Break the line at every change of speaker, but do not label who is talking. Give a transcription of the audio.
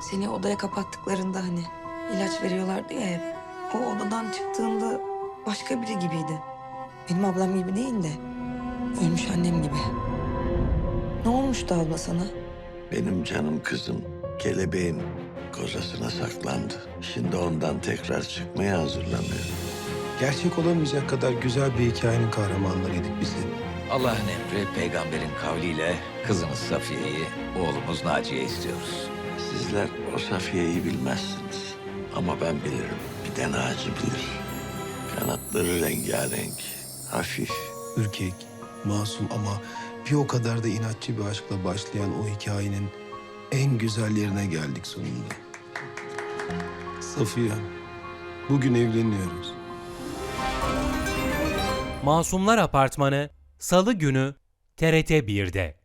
Seni odaya kapattıklarında hani ilaç veriyorlardı ya hep. O odadan çıktığında başka biri gibiydi. Benim ablam gibi değil de ölmüş annem gibi. Ne olmuştu abla sana?
Benim canım kızım kelebeğin kozasına saklandı. Şimdi ondan tekrar çıkmaya hazırlanıyor.
Gerçek olamayacak kadar güzel bir hikayenin kahramanlarıydık biz de.
Allah'ın emri peygamberin kavliyle kızımız Safiye'yi, oğlumuz Naciye istiyoruz.
Sizler o Safiye'yi bilmezsiniz. Ama ben bilirim. Bir de Naci bilir. Kanatları rengarenk, hafif.
Ürkek, masum ama bir o kadar da inatçı bir aşkla başlayan o hikayenin en güzel yerine geldik sonunda. Safiye, bugün evleniyoruz.
Masumlar Apartmanı Salı günü TRT 1'de.